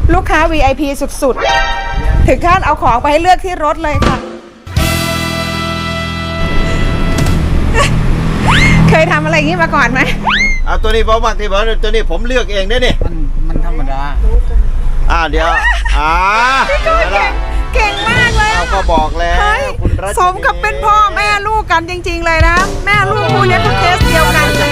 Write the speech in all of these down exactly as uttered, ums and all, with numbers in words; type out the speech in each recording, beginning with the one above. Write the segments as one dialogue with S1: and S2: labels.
S1: ลูกค้า วี ไอ พี สุดๆถึงขั้นเอาของไปให้เลือกที่รถเลยค่ะเคยทำอะไรอย่างนี้มาก่อนไหม
S2: เอาตัวนี้ผมมากที่บอกตัวนี้ผมเลือกเองได้นี่
S3: มันมันธรรมดา
S2: อ่าเดี๋ยวอ่า
S1: เก่งมากเลย
S2: เราก็บอกแล้วคุณรัชนี
S1: สมกับเป็นพ่อแม่ลูกกันจริงๆเลยนะแม่ลูกคู่นี้ก็เคสเดียวกันเลย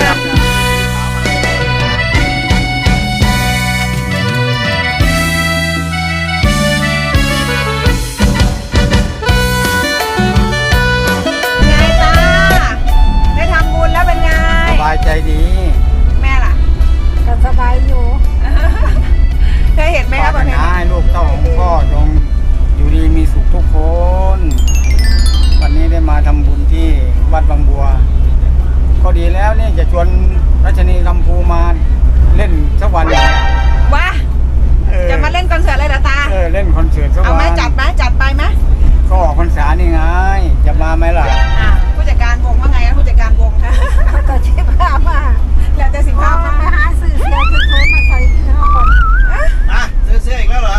S3: สบายใจดี
S1: แม่ล่ะ
S4: ก็สบายอยู่
S1: เคยเห็นไหมครับวันนี้
S3: ให้ลูกเต้าของพ่อจงอยู่ดีมีสุขทุกคนวันนี้ได้มาทำบุญที่วัดบางบัวก็ดีแล้วนี่จะชวนรัชนีลำพูมาเล่นสักวันหนึ่ง
S1: ว้าจะมาเล่นคอนเสิร์ตเลยเหรอตา
S3: เออเล่นคอนเสิร์ตสักวัน
S1: เอาไหมจัดไหมจัดไปไหม
S3: ก็ออกพรรษานี่ไงจะมาไหมล่ะ
S1: ผู้จัดการวงว่าไงผู้จัดการวงคะ
S4: ก็ชิบหามา
S1: แล้วแต่สิบห้ามา
S4: ไปหาซื้อเสื้อชุดโทมาใส่ที่ห้องก่อน
S2: อ่ะซื้อเสื้ออีกแล้วเหรอ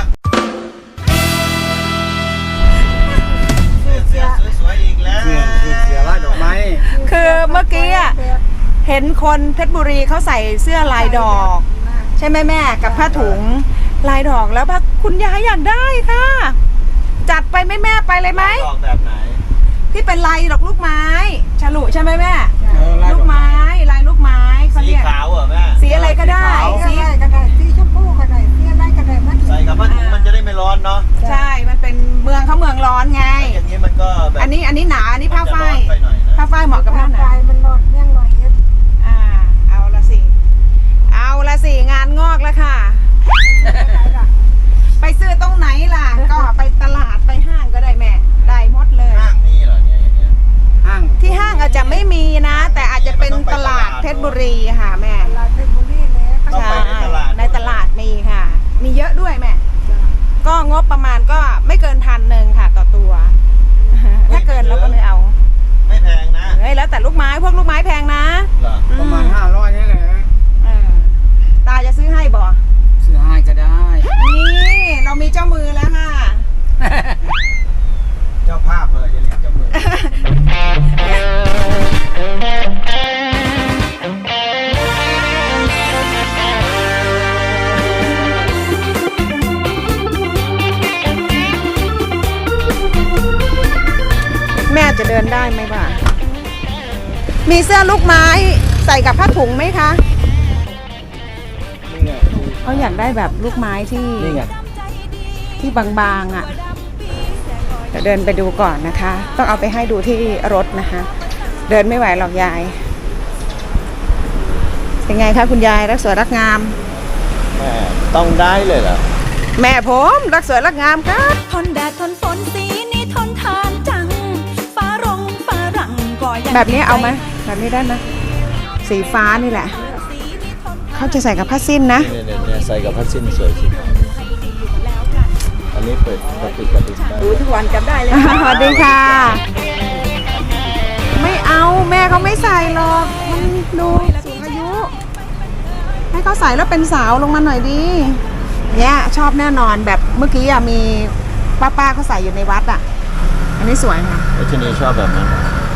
S2: ซื้อเสื้อสวยๆอีกแล้ว
S3: เสื้อเสื้อลายดอกไม้
S1: คือเมื่อกี้อ่ะเห็นคนเพชรบุรีเขาใส่เสื้อลายดอกใช่ไหมแม่กับผ้าถุงลายดอกแล้วพระคุณยายอยากได้ค่ะจัดไปไหมแม่ไปเลยไหม
S2: ดอกแบบไหน
S1: ที่เป็นลายดอกลูกไม้ฉลุใช่ไหมแม่ลูกไม้ลายลูกไม้เขาเรียก
S2: สีขาวเหรอแม่
S1: สีอะไรก็ได้
S4: สีอะไรก็ได้สีชมพูก็ได้สีอะไรก็ได้
S2: ใส่กับผ้าถุงมันจะได้ไม่ร้อนเนาะ
S1: ใช่มันเป็นเมืองเขาเมืองร้อนไง
S2: อย่างนี้มันก็แบบ
S1: อันนี้อันนี้หนาอันนี้ผ้าฝ้ายผ้าฝ้ายเหมาะกับหน้าหนาว
S4: มันร้อนเมี่ยงหน่อย
S1: อ่าเอาละสิเอาละสิงานงอกแล้วค่ะไปซื้อตรงไหนล่ะก็ไปตลาดไปห้างก็ได้แม่ได้หมดเลย
S2: ห้างมีเหรอเนี่ยอย่างเงี้ย
S3: ห้าง
S1: ที่ห้างอาจจะไม่มีนะแต่อาจจะเป็นตลาดเพชรบุรีค่ะแม่
S4: ตลาดเพชรบุรีเลย
S1: ใช่ในตลาดมีค่ะมีเยอะด้วยแม่ก็งบประมาณก็ไม่เกินพันหนึ่งค่ะต่อตัวถ้าเกินเราก็ไม่เอา
S2: ไม่แพงนะ
S1: เฮ้ยแล้วแต่ลูกไม้พวกลูกไม้แพงนะ
S3: ประมาณห้าร้อยนี่แหละ
S1: ตาจะซื้อให้บ่
S3: ซื้อให้ก็ได้
S1: นี่เรามีเจ้ามือแล้วค่ะ
S2: เจ้าภาพเลยอย่าเรียกเจ้ามือ
S1: แม่จะเดินได้ไหมบ้ามีเสื้อลูกไม้ใส่กับผ้าถุงไหมคะเขาอยากได้แบบลูกไม้ที่ที่บางๆอ่ะจะเดินไปดูก่อนนะคะต้องเอาไปให้ดูที่รถนะคะเดินไม่ไหวหรอกยายเป็นไงคะคุณยายรักสวยรักงาม
S2: แม่ต้องได้เลยเหรอ
S1: แม่ผมรักสวยรักงามครับ
S5: ทนแดดทนฝนสีนี้ทนทานจังฟ้ารงฟ้ารังก็ยัง
S1: แบบนี้เอาไหมแบบนี้ได้นะสีฟ้านี่แหละเขาจะใส่กับผ้าสิ้นนะ
S2: เนี่ยใส่กับผ้าสิ้นสวยสิอันนี้เปิดกระติกกระติกได้
S1: ดูทุกวันจำได้เลยสวัสดีค่ะไม่เอาแม่เขาไม่ใส่หรอกมันดูสูงอายุให้เขาใส่แล้วเป็นสาวลงมาหน่อยดีเนี่ยชอบแน่นอนแบบเมื่อกี้อะมีป้าป้าเขาใส่อยู่ในวัดอ่ะอันนี้สวยค่ะ
S2: รัชนีชอบแบบนั้น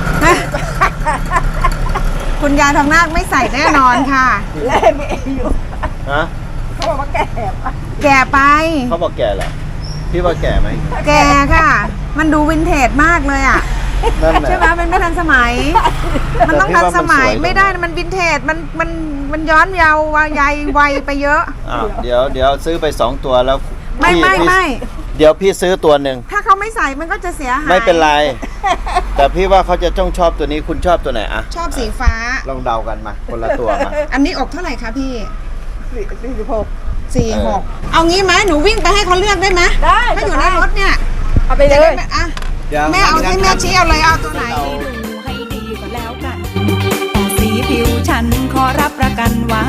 S1: คุณยายทองนาคไม่ใส่แน่นอนค่ะ
S4: เล่ไม่อยู่
S2: ฮะ
S4: เขาบอกว่าแก่
S1: แก่ไป
S2: เขาบอกแก่เหรอพี่ว่าแก่ไหม
S1: แก่ค่ะมันดูวินเทจมากเลยอ่ะใช่ไหมมันไม่ทันสมัยมันต้องทันสมัยไม่ได้มันวินเทจมันมันมันย้อนเยาว์วัยวัยไปเยอะ
S2: อ้าวเดี๋ยวเดี๋ยวซื้อไปสองตัวแล้ว
S1: ไม่ไม่ไม่
S2: เดี๋ยวพี่ซื้อตัวหนึ่ง
S1: ถ้าเขาไม่ใส่มันก็จะเสียหาย
S2: ไม่เป็นไรแต่พี่ว่าเขาจะต้องชอบตัวนี้คุณชอบตัวไหนอะ
S1: ชอบสีฟ้า
S2: ลองเดากันมาคนละตัวมา
S1: อันนี้อกเท่าไหร่คะพี่สี่สิบหกสี่หกเอางี้ไหมหนูวิ่งไปให้เขาเลือกได้ไหม
S4: ได้
S1: ถ้าอยู่ในรถเนี่ย
S4: เอาไปเลย
S1: อ่ะแม่เอาให้แม่ชี้เอาเลยเอาตัวไหน
S5: ดูให้ดีก็แล้วกันแต่สีผิวฉันขอรับประกันว่า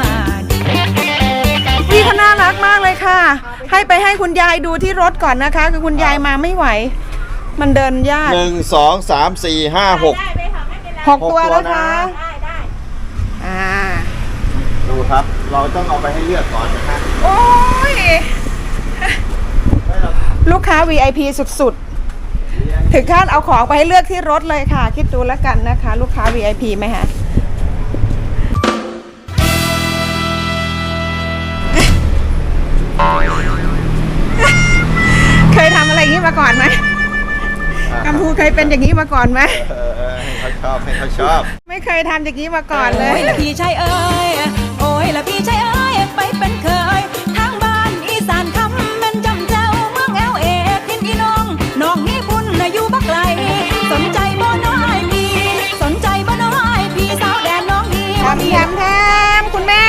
S1: พี่เขาน่ารักมากเลยค่ะให้ไปให้คุณยายดูที่รถก่อนนะคะคือคุณยายมาไม่ไหวมันเดินยาก
S2: หนึ่งสองสามสี่ห้าหก
S1: หกตัวแล้วค่ะอ่า
S2: ดูครับเราต้องเอาไปให้เลือกก่อนนะคะ
S1: โอ้ยค้า วี ไอ พี สุดๆ ถึงขั้นเอาของไปให้เลือกที่รถเลยค่ะ คิดดูแล้วกันนะคะ ลูกค้า วี ไอ พี ไหมคะเคยทำอะไรอย่างนี้มาก่อนไหมกัมพูเคยเป็นอย่างนี้มาก่อนไหม
S2: เออเออให้เขาชอบให้เขาชอบ
S1: ไม่เคยทำอย่างนี้มาก่อนเล
S5: โอ้
S1: ย
S5: ยละพี่ชายเอ้ยโอ้ยละพี่ชายเอ้ยไปเป็นเคยทางบ้านอีสานคำแม่นจำเจ้าเมืองแอลเอทินอีน้องน้องนี่บุญน่ะอยู่บักไกลสนใจบ่น้อยพี่สนใจบ่น้อยพี่สาวแดนน้องนี่
S1: ทำแถมแถมคุณแม่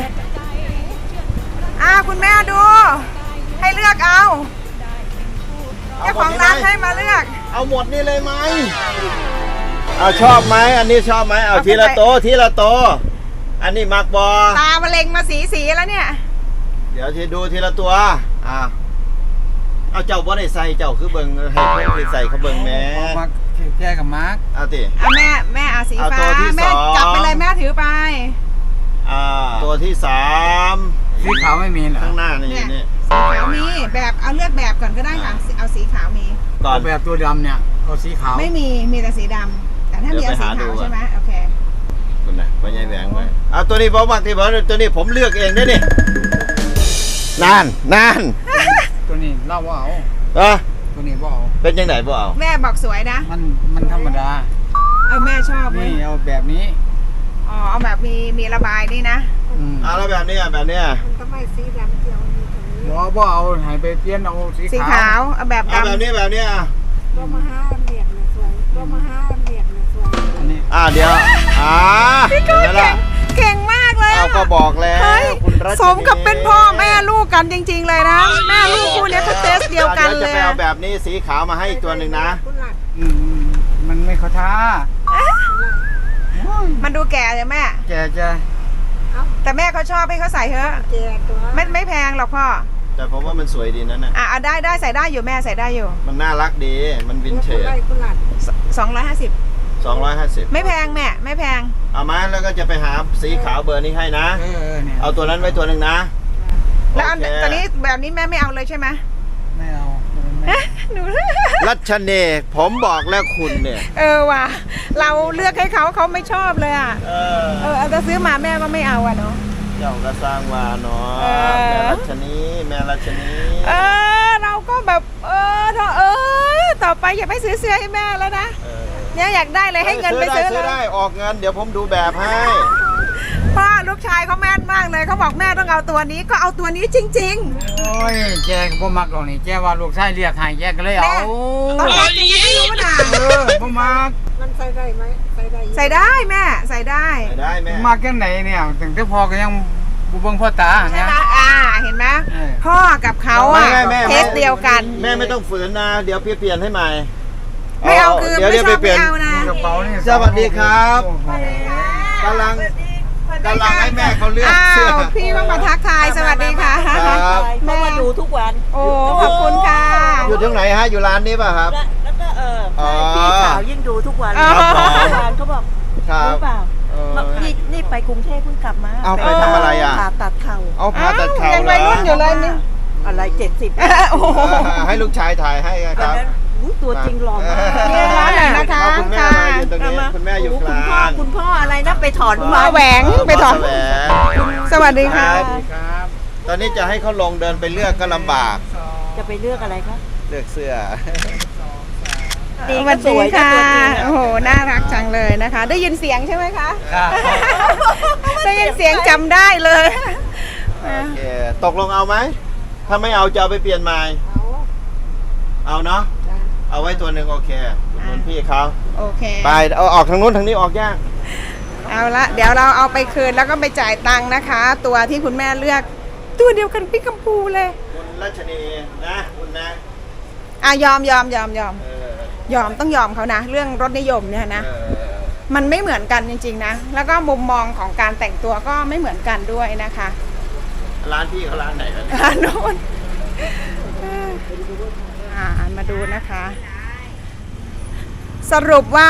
S1: อ่าคุณแม่ดู ให้เลือกเอาเจ้าของร้านให้มาเลือก
S2: เอาหมดนี่เลยไหมเอาชอบไหมอันนี้ชอบไหมเอา
S1: เอา
S2: ทีละ
S1: ไป
S2: โตะทีละโตะอันนี้มักบอ
S1: ตามะเร็งมาสีสีแล้วเนี่ย
S2: เดี๋ยวทีดูทีละตัวอ่าเอาเจ้าบ่ได้ใส่เจ้าคือเบิ่งให้เพิ่นที่ใส่เขาเบิ่งแหม่
S3: มาแก้กับมาร์ก
S2: เอาติ
S1: เอาแม่แม่เอาสี
S2: เอา
S1: ฟ้า
S2: ตัวที่
S1: แม่
S2: สอง
S1: จับไปเลยแม่ถือไป
S2: อ่าตัวที่สาม
S3: สีขาวไม่มีเหรอ
S2: ข้างหน้านี่
S1: เนี่ย
S2: นี่
S1: สีขาวมีแบบเอาเลือกแบบก่อนก็ได้ค่ะเอาสีขาวมี
S2: ก่อน
S3: เอาแบบตัวดำเนี่ยเอาสีขาว
S1: ไม่มีมีแต่สีดำแต่ถ้ามีเอาสีขาวใช่ไหมโอเค
S2: คุณนะพ่อใหญ่แหวงไปเอาตัวนี้ผมมักที่บอกตัวนี้ผมเลือกเองได้นี่นานนาน
S3: ตัวนี้เล่าว่าเอา
S2: เออ
S3: ตัวนี้ว่าเอา
S2: เป็นยังไงบ่เอา
S1: แม่บอกสวยนะ
S3: มันมันธรรมดา
S1: เออแม่ชอบเว้ย
S3: นี่เอาแบบนี้
S1: อ๋อเอาแบบมีมีระบายนี่นะ
S3: อืม
S2: เอาแล้วแบบนี้อ่ะแบบเนี้ย
S4: ทำไมสีดำเกี่ยวมีตรงนี้
S3: ว่าว่าเอาใหายไปเปลี่ยนเอาสี
S1: สี
S3: ขา
S1: ขาว วเอาแบบ
S2: เอาแบบ
S1: ดำ
S2: นี้แบบนี้อ่ะ
S4: ก็มาห้าอันเดียกนะสวยก็มาห้าอันเดียกนะสวย
S3: อันนี้
S2: อ่าเดี๋ยวอ่า
S1: พี่ก็
S2: เห็นไหม
S1: เก่
S2: ล่ะ
S1: งเก่งมากเลย
S2: เอา
S1: อะ
S2: ก็บอกแล้ว
S1: เฮ้ย
S2: คุณรัชนี
S1: สมกับเป็นพ่อแม่ลูกกันจริง ๆ เลยนะ แม่ลูกคู่เนี้ยเขาเทสเดียวกัน
S2: ดี๋
S1: เล
S2: จะ
S1: ย
S2: ไป
S1: อะ
S2: เอาแบบนี้สีขาวมาให้อีกตัวหนึ่งนะ
S4: คุณหลัด
S3: อืมมันไม่เข้าท่า
S1: มันดูแก่เลยแม่
S3: แกจะ
S1: แต่แม่เขาชอบให้เขาใส่เถอะ
S4: เจียตัว
S1: ไม่ไม่แพงหรอกพ่อ
S2: แต่ผมว่ามันสวยดีนั่นน่ะ
S1: อ่ะเอาได้ได้ใส่ได้อยู่แม่ใส่ได้อยู่
S2: มันน่ารักดีมันวินเท
S4: คุณ
S2: จ
S4: ไล่คุณหลัด
S1: สองร้อยห้าสิบ
S2: สองร้อยห้าสิบ
S1: ไม่แพงแม่ไม่แพง
S2: เอามาแล้วก็จะไปหาสีขาวเบอร์นี้ให้นะ
S3: เออเออเนี่ย
S2: เอาตัวนั้นไว้ตัวหนึ่งนะ
S1: แล้วอัน
S2: โเค
S1: ตอนนี้แบบนี้แม่ไม่เอาเลยใช่ไหม
S3: ไม่เอาไม่
S1: เอ๊ะหนู
S2: รัชเนย์ผมบอกแล้วคุณเนี่ย
S1: เออว่ะเราเลือกให้เขาเขาไม่ชอบเลยอ่ะ
S2: เออ
S1: เออเอาแต่ซื้อมาแม่ก็ไม่เอาอ่ะเนาะ
S2: เจ้าก็สร้างวาเนาะ
S1: เออ
S2: แม่รัชนีแม่รัชนี
S1: เออเราก็แบบเออเธอเออต่อไปอย่าไปซื้อเสื้อให้แม่แล้วนะ
S2: เออ
S1: เนี่ยอยากได้เลยให้เงินไปซื้อ
S2: ได้
S1: เล
S2: ซื้อย ได้ออกเงินเดี๋ยวผมดูแบบให้
S1: พ่อลูกชายเขาแม่นมากเลยเขาบอกแม่ต้องเอาตัวนี้ก็เอาตัวนี้จริง
S3: โอ้ยแกก็บ่มักหรอกนี่แกว่าลูกชายเรียกให้แกก็เลย
S1: ๆ
S3: เอา
S1: แม่ตอนแรกยังไม่รู้นะ
S3: เออบ่มัก
S4: มันใส่ได้ไหมใส่ได้
S1: ใส่ได้แม่ใส่ได้
S2: ไม่ได้แม่
S3: มาแค่ไหนเนี่ยถึงแต่พอก็ยังบุเบิงพ่อตา
S1: ใช่
S3: เนี่ย
S1: ไหมอ่าเห็นไหม
S3: เออ
S1: พ่อกับเขาอ่ะ
S2: ไม่ไม่
S1: เท
S2: แม่
S1: สเดียวกัน
S2: แม่ไม่ต้องฝืนนะ เดี๋ยวพี่เปลี่ยนให้ใหม่
S1: ไม่เอาคือ
S2: เดี๋ยว
S1: ไม่
S2: เดี๋ยว
S1: ช
S2: ไป
S1: อบ
S2: เปลี่
S1: ไม่
S2: ยน
S1: เอานะ
S3: กระเป๋านี่
S2: สวัสดีครับ
S3: โอ้โห
S2: กำลังกำลังให้แม่เขาเลือก
S1: อ้า
S2: เสื้อ
S1: วพี่ก็มาทักทายสวัสดีค่ะ
S2: ครับ
S4: เขามาดูทุกวัน
S1: โอ้ขอบคุณค่ะ
S2: อยู่ที่ไหนฮะอยู่ร้านนี้ป่ะครับ
S4: แล้วก็เออ
S2: อ๋อ
S4: พี่สาวยิ่งดูทุกวัน
S2: ครับผม
S4: เมื่อวานเขาบอก
S2: ครับ
S4: รู้เปล่า
S2: เออ
S4: บอกนี่นี่ไปกรุงเทพเพิ่งกลับมา
S2: เอาไปทำอะไรอ่ะ
S4: ผ่าตัดเข่า
S2: เอาผ่าตัดเข่า
S1: ยัง
S2: เหร
S1: วั
S2: อย
S1: รุ่นอยู่เลยนี่
S4: อะไรเจ็ดสิบ
S1: โอ้โห
S2: ให้ลูกชายถ่ายให้ค
S4: วัน
S2: รับ
S4: นั้นอุ๊ยตัวจริงหล่อมาก
S1: เย้ร้านไหนนะคะ
S2: คุณแม่มายืนตรงนี้คุณแม่อยู่ก
S4: คุณ
S2: ลา
S4: พ่อง คุณพ่ออะไรนะไปถอน
S1: หมาแหวงไปถอน
S2: แหวง
S1: สวัสดีค่ะ
S2: ครับ
S3: ครับ
S2: ตอนนี้จะให้เขาลงเดินไปเลือกก็ลำบาก
S4: จะไปเลือกอะไรคะ
S2: เลือกเสื้อ
S4: ดี
S1: ส
S4: ก็
S1: วัส
S4: ส
S1: ดี
S4: วย
S1: ค่ะ
S4: ก็ตัวจริงอะ
S1: โอ้โห น่ารักจังเลยนะคะ ได้ยินเสียงใช่ไหมคะ
S3: ครับ
S1: ได้ยินเสียงจำได้เลย
S2: โอเค ตกลงเอาไหม ถ้าไม่เอาจะเอาไปเปลี่ยนใหม่ เอาเนาะ เอาไว้ตัวหนึ่งโอเคอุดหนุนพี่เขา
S1: โอเค
S2: ไปเอาออกทางนู้นทางนี้ออกยาก
S1: เอาละเดี๋ยวเราเอาไปคืนแล้วก็ไปจ่ายตังค์นะคะ ตัวที่คุณแม่เลือก ตัวเดียวกันพี่กัมพูเลย
S2: คุณรัชนีนะคุณนะ
S1: อ่ะยอมยอมยอมยอม
S2: เออย
S1: อมต้องยอมเขานะ เรื่องรสนิยมเนี่ยนะ
S2: เออ
S1: มันไม่เหมือนกันจริงๆนะ แล้วก็มุมมองของการแต่งตัวก็ไม่เหมือนกันด้วยนะคะ
S2: ร้านพี่เขาร้านไหนกัน
S1: อ่าโน่นอ่ามาดูนะคะ สรุปว่า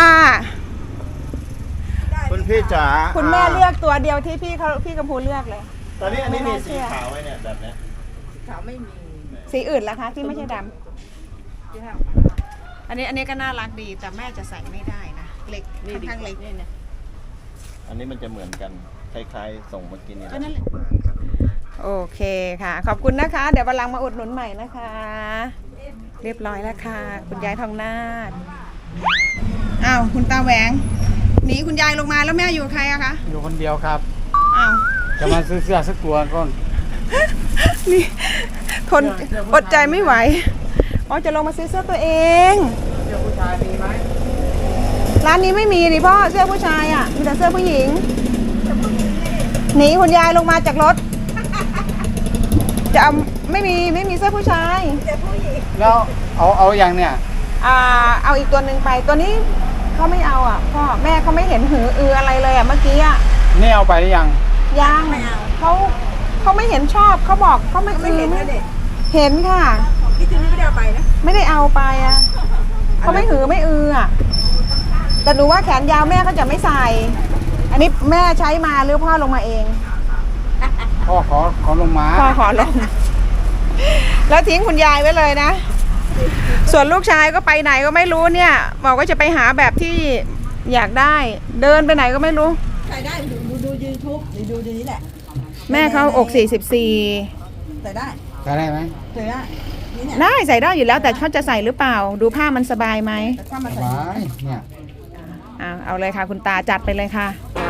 S2: คุณพี่จ๋า
S1: คุณแม่เลือกตัวเดียวที่พี่เขาพี่กัมพูเลือกเลย
S2: ตอนนี้อันนี้
S1: ไม่
S2: มี
S1: น่าเชื่
S2: สี
S1: อ
S2: ขาวไว้เนี่ยแบบเนี้ย
S4: เขาไม่มี
S1: สีอื่นล่ะคะที่ไม่ใช่ดอันนี้อันนี้ก็น่ารักดีแต่แม่จะใส่ไม่ได้นะเล็กค่อนข้างเล็ก
S2: อันนี้มันจะเหมือนกันคล้ายๆส่งเมื่อกี้นี่
S1: ก็นั่นแหละโอเคค่ะ ขอบคุณนะคะ เดี๋ยววันหลังมาอุดหนุนใหม่นะคะ เรียบร้อยแล้วค่ะ คุณยายทองนาถอ้าวคุณตาแหวงหนีคุณยายลงมาแล้วแม่อยู่กับใครอะคะ
S3: อยู่คนเดียวครับ
S1: อ้าว
S3: จะมาซื้อเสื้อสักตัวก่อน
S1: นี่ทนอดใจไม่ไหวอ๋อจะลงมาซื้อเสื้อตัวเอง
S3: เสื้อผู้ชายมีไหม
S1: ร้านนี้ไม่มีดิพ่อเสื้อผู้ชายอ่ะมีแต่เสื้อผู้หญิงหนีคุณยายลงมาจากรถจะเอาไม่มีไม่มีเสื้อผู้ชาย
S3: แล้วเอาเอาอย่างเนี่ย
S1: อ่าเอาอีกตัวหนึ่งไปตัวนี้เขาไม่เอาอ่ะพ่อแม่เขาไม่เห็นหืออืออะไรเลยอ่ะเมื่อกี้อ่ะ
S3: นี่เอาไปหรือยัง
S1: ยังเขาเขาไม่เห็นชอบเขาบอกเขาไม่อือไม่เห็นค่ะ
S4: พี่จูนี่ไม่ได้เอาไปนะ
S1: ไม่ได้เอาไปอ่ะเขาไม่หือไม่อืออ่ะแต่หนูว่าแขนยาวแม่เขาจะไม่ใส่ อันนี้แม่ใช้มาหรือพ่อลงมาเอง
S3: พ่อขอขอลงมา
S1: พ่อขอลง แล้วทิ้งคุณยายไว้เลยนะ ส่วนลูกชายก็ไปไหนก็ไม่รู้เนี่ย บอกว่าจะไปหาแบบที่อยากได้ เดินไปไหนก็ไม่รู้
S4: ใส่ได้ดูดูดูยูทูบดูดูนี้แหละ
S1: แม่เขาอกสี่สิบสี่
S4: ใส่ได้
S3: ใส่ได้ไหม
S4: ใส่ได้นี่เนี่ย
S1: ได้ใส่ได้อยู่แล้วแต่เขาจะใส่หรือเปล่า ดูผ้ามันสบายไหม
S4: แต่ถ้ามา
S3: ส
S4: ใส่
S3: บายเนี่ย
S1: อ่าเอาเลยค่ะ คุณตาจัดไปเลยค่ะ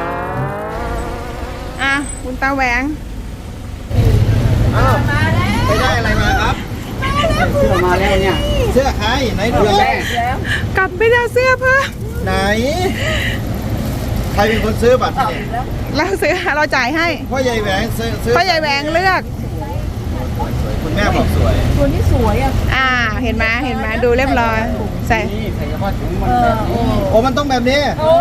S1: อ่ะคุณตาแหวง
S2: อ้าวไปได้อะไรมาครับ
S3: เสื้อมาแล้วเนี่ย
S2: เสื้อใครไหนดู
S3: เสื้อแม่
S1: กลับไปเอาเสื้อเพิ่ม
S2: ไหน ใครเป็นคนซื้อบัตรนี่
S1: เราซื้อเราจ่ายให้
S2: พ่อใหญ่แหวงซื้อซื้อ
S1: พ่อใหญ่แหวงเลือก
S2: คุณแม่บอกสวย
S4: ตัวนี้สวยอ่ะ
S1: อ่าเห็นไหมเห็นไหมดูเรียบร้อยใส่
S3: นี่ใส่กระเป๋าถุงมันแบบนี้
S2: โอ้มันต้องแบบนี้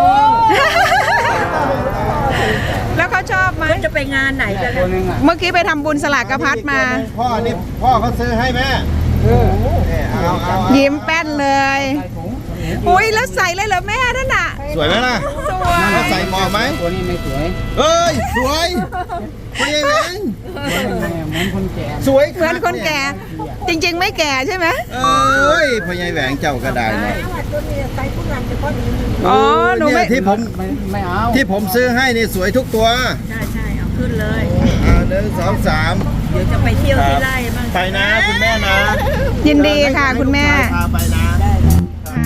S1: แล้วเขาชอบไหม
S4: จะไปงานไหน
S3: เนี่ย
S4: กัน
S3: ตัวหนึงอ่ะ
S1: เมื่อกี้ไปทำบุญสลากกระพัดมา
S2: พ่อนี่พ่อเขาซื้อให้แม่
S3: เออ
S2: เนี่ยเอาเอาเอา
S1: ยิ้มแป้นเลย
S3: ใส่ถุง
S1: อุ้ยแล้วใส่เลยเหรอแม่นั่นน่ะ
S2: สวยไหมล่ะ
S1: สวย
S2: เขาใส่เหมาะไหม
S3: ตัวนี้ไม่สวย
S2: เอ้ยสวยพ่อใหญ่แหวง
S3: เหมือนคนแก่
S2: สวย
S1: เหมือนคนแก่ จริง ๆ ไม่แก่ใช่ไหม
S2: เอ้ยพ่อใหญ่แหวงเจ้าก็ได้นะ
S4: ตัวนี้ใส่ทุกงานเฉพาะนี้
S1: อ๋อหนูไม่
S2: เยที่ผม
S3: ไม่ไม่เอา
S2: ที่ผมซื้อให้นี่สวยทุกตัว
S4: ใช่ใช่เอาขึ้นเลย
S2: อ่าหนึ่งสองสาม
S4: เดี๋ยวจะไปเที่ยวที่ไร่บ้าง
S2: ไปนะคุณแม่นะ
S1: ยินดีค่ะคุณแม่
S2: พาไปนะ
S1: ค่ะ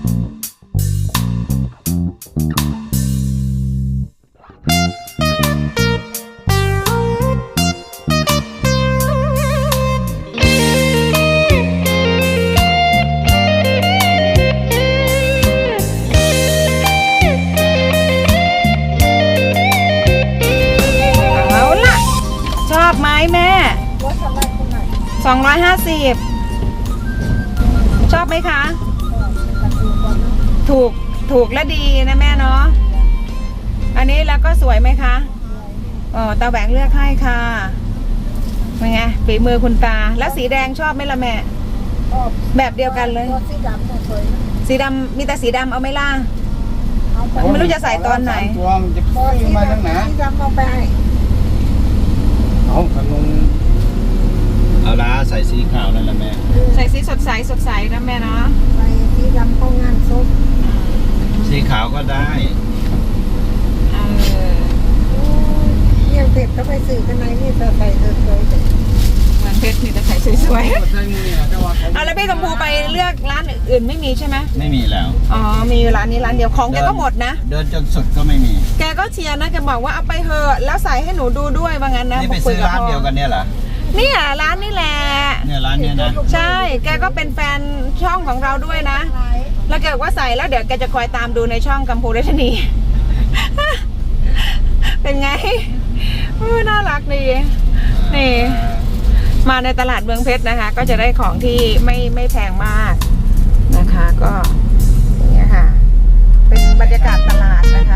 S1: เอาล่ะ ชอบไหมแม่ สองร้อยห้าสิบชอบไหมคะ ถูกถูกและดีนะแม่เนาะอันนี้แล้วก็สวยไหมคะอ๋อตาแหวงเลือกให้ค่ะเป็นไงฝีมือคุณตาแล้วสีแดงชอบไหมล่ะแม่ แบบเดียวกันเลย
S4: สีดำสวย
S1: สีดำมีแต่สีดำเอาไหมล่ะ ไม่รู้จะใส่ตอนไหน
S3: สามตัวมันจะซื้อมาตั้งไหน
S4: สีดำเอาไปให้
S3: เอาขนม
S2: เอาละใส่สีขาวนั่นแหละแม่
S1: ใส่สีสดใสสดใสนะแม่เนาะ
S4: ใส่สีดำเข้างานศพ
S2: สีขาวก็ได้
S1: เออ
S4: เนี่ยเผ็ดก็ไปสื่อกันในนี่ใส่สวยๆ
S1: เหมือนเพชรมีแต่ใส่สวย
S3: ใส่มือเนี่ยแต่ว่าเขา
S1: ๆเอาแล้วพี่กำพูไปเลือกร้านอื่นไม่มีใช่ไหม
S2: ไม่มีแล้ว
S1: อ๋อมีอยู่ร้านนี้ร้านเดียวของแกก็หมดนะ
S2: เดินจนสุดก็ไม่มี
S1: แกก็เชียร์นะแกบอกว่าเอาไปเถอะแล้วใส่ให้หนูดูด้วยว่างั้นนะ
S2: นี่ไป
S1: คุ
S2: ซื้
S1: ย
S2: อ
S1: กับ
S2: ร้าน
S1: พ่อ
S2: เดียวกันเนี่ยเหรอ
S1: เนี่ยร้านนี่แหละ
S2: เนี่ยร้านเนี้ยนะ
S1: ใช่ แกก็เป็นแฟนช่องของเราด้วยนะ แล้วแกบอกว่าใส่แล้วเดี๋ยวแกจะคอยตามดูในช่องกัมพูรัชนี เป็นไงเออน่ารักดีนี่มาในตลาดเมืองเพชรนะคะ ก็จะได้ของที่ไม่ไม่แพงมากนะคะ ก็อย่างเงี้ยค่ะ เป็นบรรยากาศตลาดนะคะ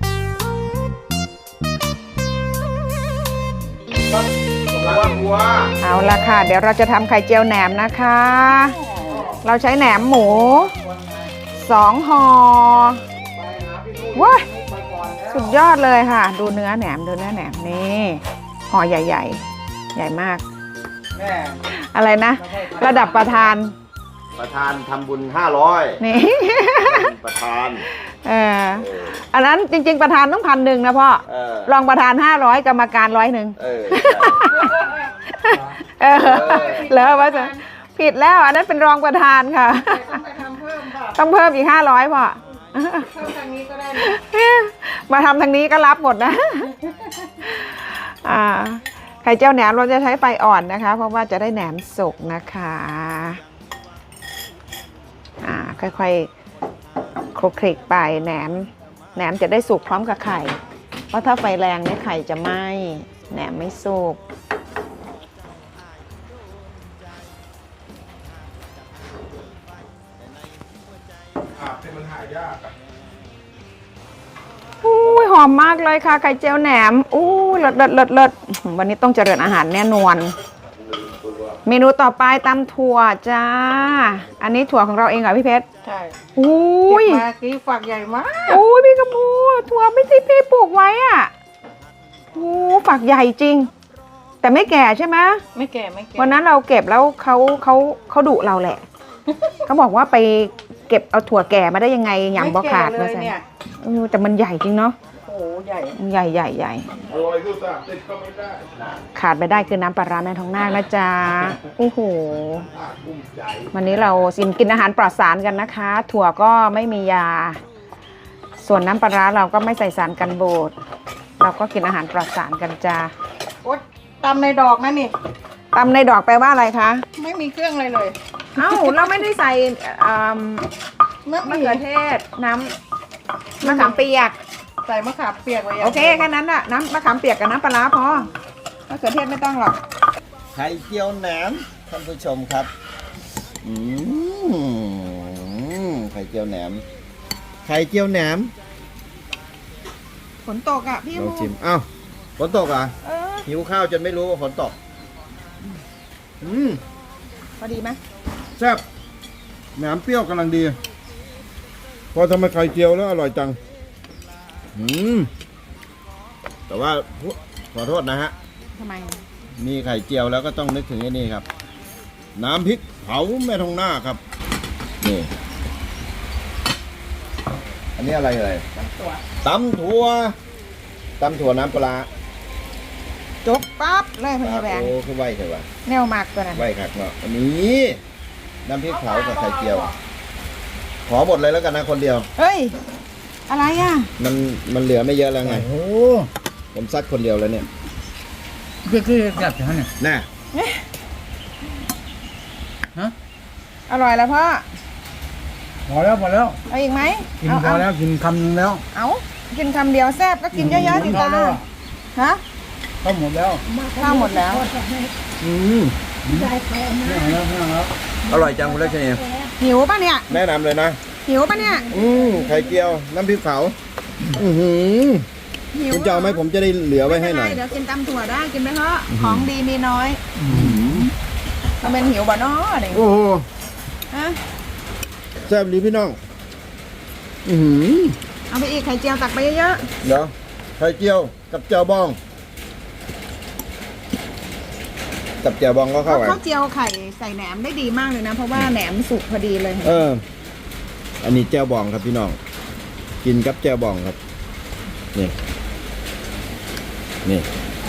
S2: วัววัว
S1: เอาละค่ะ เดี๋ยวเราจะทำไข่เจียวแหนมนะคะ เราใช้แหนมหมูสองห่อว้าสุดยอดเลยค่ะ ดูเนื้อแหนมดูเนื้อแหนมนี่ห่อใหญ่ๆ ใหญ่มาก
S3: แม่
S1: อะไรนะ ระดับประธาน
S2: ประธานทำบุญห้าร้อย
S1: นี่
S2: ประธาน
S1: เอออันนั้นจริง ๆ ประธานต้องพันหนึ่งนะพ่อ
S2: เออ
S1: รองประธานห้าร้อยกรรมการร้อยหนึ่ง
S2: เออ
S1: เออแล้วว่าจะผิดแล้วอันนั้นเป็นรองประธานค่ะ
S4: ต้องไปทำเพิ่มค่ะ
S1: ต้องเพิ่มอีกห้าร้อยพ่อ
S4: เพิ่มทางนี้ก็ได้
S1: มาทำทางนี้ก็รับหมดนะ อ่าไข่เจียวแหนมเราจะใช้ไฟอ่อนนะคะ เพราะว่าจะได้แหนมสุกนะคะอ่าค่อยๆคลุกคลิกไปแหนมแหนมจะได้สุกพร้อมกับไข่ เพราะถ้าไฟแรงเนี่ยไข่จะไหม้แหนมไม่สุกอู้ยหอมมากเลยค่ะไข่เจียวแหนมอู้เลิศเลิศเลิศเลิศวันนี้ต้องเจริญอาหารแน่นอน เมนูต่อไปตำถั่วจ้า อันนี้ถั่วของเราเองเหรอพี่เพชร
S4: ใช่
S1: อู้
S4: เก็บ
S1: ย
S4: มากี้ฝักใหญ่มาก
S1: อู้ยพี่กระพูถั่วไม่ใช่พี่ปลูกไว้อ่ะโอ้ฝักใหญ่จริง แต่ไม่แก่ใช่ไหม
S4: ไม่แก่ไม่แก่
S1: วันนั้นเราเก็บแล้วเขาเขาเขาดุเราแหละ เขาบอกว่าไปเก็บเอาถั่วแก่มาได้ยังไงยำบอขาด
S4: เล
S1: มาย ใส่
S4: เนี่ย
S1: เออแต่มันใหญ่จริงเนาะ
S4: โอ้โหใหญ่
S1: ใหญ่ใหญ่ใหญ่
S2: อร่อยคือสามติดก็ไม่ได้
S1: ขาดไปได้คือน้ำปลาร้าแม่ทองนาคนะจ๊ะโอ้โหวันนี้เราสินกินอาหารปลอดสารกันนะคะ ถั่วก็ไม่มียา ส่วนน้ำปลาร้าเราก็ไม่ใส่สารกันบูดเราก็กินอาหารปลอดสารกันจ้า
S4: โอ๊ยตำในดอกนะนี่
S1: ตำในดอกแปลว่าอะไรคะ
S4: ไม่มีเครื่องอะไรเลย
S1: เอ้าเราไม่ได้ใส่อ่าม
S4: มะ
S1: มะ
S4: เขื
S1: เขื
S4: อ
S1: อเทศน้ำมะขามเปียก
S4: ใส่มะขามเปียกไว้ย่าง
S1: โอเคแค่นั้นน่ะน้ำมะขามเปียกกับน้ำปลาร้าพอมะเขือเทศไม่ต้องหรอก
S2: ไข่เจียวแหนมท่านผู้ชมครับ อืมไข่เจียวแหนม ไข่เจียวแหนม
S1: ฝนตกอ่ะพี่
S2: ลอง
S1: มู
S2: ชิมอ้าวฝนตกอ่ะ
S1: เออ
S2: หิวข้าวจนไม่รู้ว่าฝนตก อืม
S1: พอดีไหม
S6: แซ่บแหนมเปรี้ยวกำลังดี พอทำมาไข่เจียวแล้วอร่อยจัง
S2: อืม แต่ว่าขอโทษนะฮะ
S1: ทำไม
S2: มีไข่เจียวแล้วก็ต้องนึกถึงไอ้นี่ครับ น้ำพริกเผาแม่ทองหน้าครับ นี่ อันนี้อะไรเลยตำถั่วตำถั่วตำถั่วน้ำปลา
S1: จบปั๊บเลยพญาแบง
S2: โอ้คือไหวใช่ปะ
S1: แนวมากตัวนั้น
S2: ไหวครับเนาะอันนี้น้ำพริกเผากับไข่เจียว ขอหมดเลยแล้วกันนะคนเดียว
S1: เฮ้ยอะไรอ่ะ
S2: มันมันเหลือไม่เยอะแล้วไง
S3: โอ้
S2: ผมซัดคนเดียวแล้วเนี่ย
S3: คือคือแบบนี้เนี่ย
S2: น่ะ
S1: อร่อยแล้วพ่อ
S3: พอแล้วพอแล้ว
S1: เอาอีกไหม
S3: กิน
S1: เอา
S3: พอ
S1: เอา
S3: แล้วกินคำนึงแล้ว
S1: เอากินคำเดียวแซ่บก็กินเยอะๆดิตา
S3: พอแล้ว
S1: ฮะ
S3: ก็หมดแล้ว
S1: ข้าวหมดแล้ว
S2: อืม
S3: ไม่เอาแล้วไม่เอาแล้ว
S2: อร่อยจังคุณเลชนี
S1: หิวป่ะเนี่ย
S2: แนะนำเลยนะ
S1: หิวป่ะเนี่ย
S2: อืมไข่เจียว น้ำพริกเผา อือหือ
S1: หิว
S2: คุณจะเอาไหมผมจะได้เหลือไว้ให้หน่อย
S1: เดี๋ยวกินตำถั่วได้กินไหมเพราะของดีมีน้อยเราเป็นหิวบ่เนาะเด็ก
S2: โอ้โห
S1: ฮะ
S2: แซ่บดีพี่น้อง อือหือ
S1: เอาไปอีกไข่เจียวตักไปเยอะ
S2: เดี๋ยวไข่เจียวกับเจียวบอง กับเจียวบองก็
S1: ๆ
S2: เข้ากัน
S1: ข้าวเจียวไข่ใส่แหนมได้ดีมากเลยนะ เพราะว่าแหนมสุกพอดีเลย
S2: เออ อันนี้เจียวบองครับพี่น้อง กินกับเจียวบองครับ นี่ นี่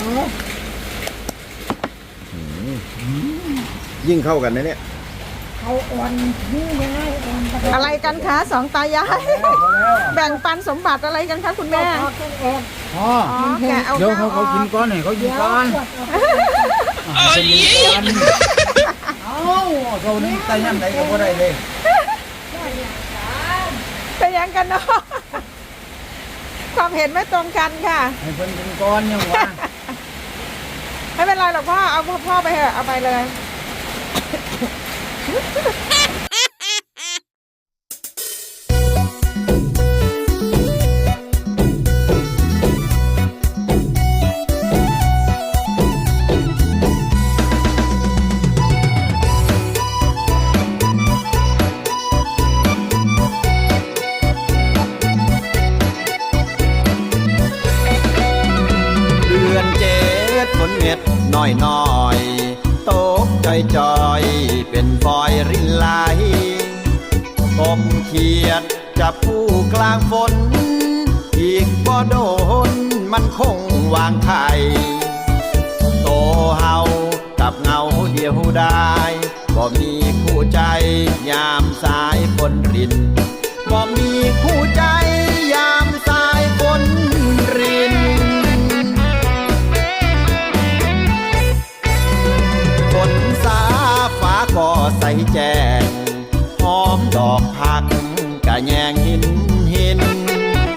S2: อืมยิ่งเข้ากันนะเนี่ย
S4: เขาอ่อนนี่ยังไงอ่อน
S1: อะไรกันคะสองตายายแบ่งปันสมบัติอะไรกันคะคุณแม่
S4: เขาต้องอ่อน
S3: อ๋อ
S1: อ๋อแกะเอา
S3: เดี๋ยว
S1: ข้า
S3: เขา
S1: วอ
S3: เขากิน
S1: อก
S3: ก้อนให้เขากินก้อนเอ้ยเอ้าเขานี่ใส่ย่ำไหนก็บ่ได้เลย
S1: เป็นยังกันเนาะความเห็นไม่ตรงกันค่ะ
S3: ให้เพิ่นกินก้อนยังวะ
S1: ไม่เป็นไรหรอกพ่อเอาพ่อไปเถอะเอาไปเลย
S2: เดือนเจ็ดฝนเม็ดน้อยน้อยๆตกจอยจอยเป็นฟอยรินไหลกบเขียดจับผู้กลางฝนอีกบ่โดนมันคงวางไข่โตเฮากับเงาเดียวได้บ่มีคู่ใจยามสายฝนรินบ่มีคู่ใจ